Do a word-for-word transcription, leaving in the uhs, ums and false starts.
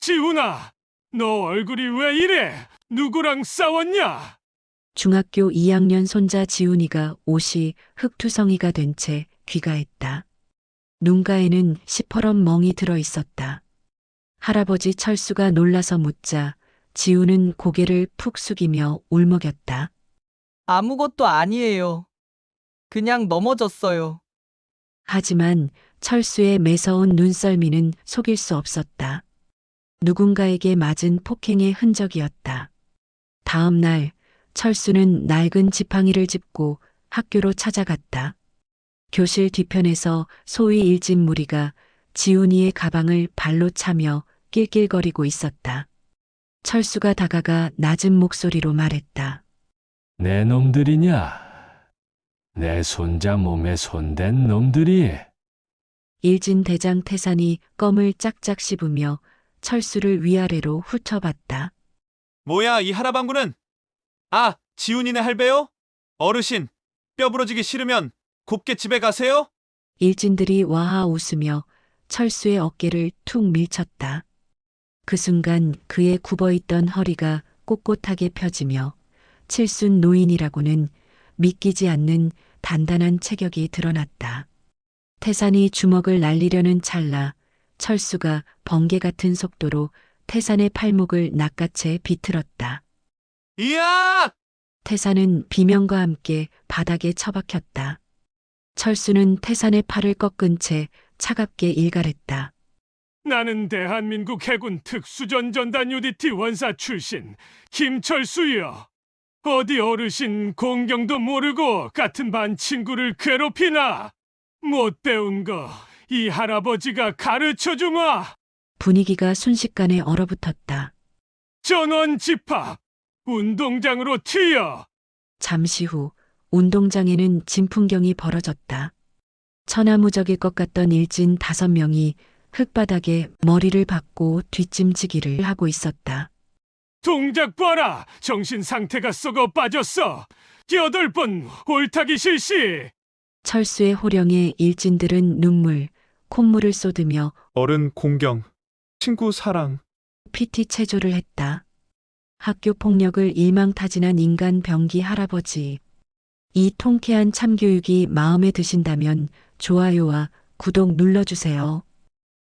지훈아, 너 얼굴이 왜 이래? 누구랑 싸웠냐? 중학교 이 학년 손자 지훈이가 옷이 흙투성이가 된 채 귀가했다. 눈가에는 시퍼런 멍이 들어 있었다. 할아버지 철수가 놀라서 묻자 지훈은 고개를 푹 숙이며 울먹였다. 아무것도 아니에요. 그냥 넘어졌어요. 하지만 철수의 매서운 눈썰미는 속일 수 없었다. 누군가에게 맞은 폭행의 흔적이었다. 다음 날 철수는 낡은 지팡이를 짚고 학교로 찾아갔다. 교실 뒤편에서 소위 일진 무리가 지훈이의 가방을 발로 차며 낄낄거리고 있었다. 철수가 다가가 낮은 목소리로 말했다. 내 놈들이냐? 내 손자 몸에 손댄 놈들이. 일진 대장 태산이 껌을 짝짝 씹으며 철수를 위아래로 훑어봤다. 뭐야, 이 할아방구는? 아, 지훈이네 할배요? 어르신, 뼈 부러지기 싫으면 곱게 집에 가세요? 일진들이 와하 웃으며 철수의 어깨를 툭 밀쳤다. 그 순간 그의 굽어있던 허리가 꼿꼿하게 펴지며 칠순 노인이라고는 믿기지 않는 단단한 체격이 드러났다. 태산이 주먹을 날리려는 찰나 철수가 번개 같은 속도로 태산의 팔목을 낚아채 비틀었다. 이야! 태산은 비명과 함께 바닥에 처박혔다. 철수는 태산의 팔을 꺾은 채 차갑게 일갈했다. 나는 대한민국 해군 특수전전단 유디티 원사 출신 김철수여. 어디 어르신 공경도 모르고 같은 반 친구를 괴롭히나? 못 배운 거 이 할아버지가 가르쳐주마. 분위기가 순식간에 얼어붙었다. 전원 집합, 운동장으로 튀어. 잠시 후 운동장에는 진풍경이 벌어졌다. 천하무적일 것 같던 일진 다섯 명이 흙바닥에 머리를 박고 뒷짐지기를 하고 있었다. 동작 봐라. 정신 상태가 썩어 빠졌어. 여덟 번 올타기 실시. 철수의 호령에 일진들은 눈물, 콧물을 쏟으며 어른 공경, 친구 사랑. 피티 체조를 했다. 학교 폭력을 일망타진한 인간 병기 할아버지. 이 통쾌한 참교육이 마음에 드신다면 좋아요와 구독 눌러주세요.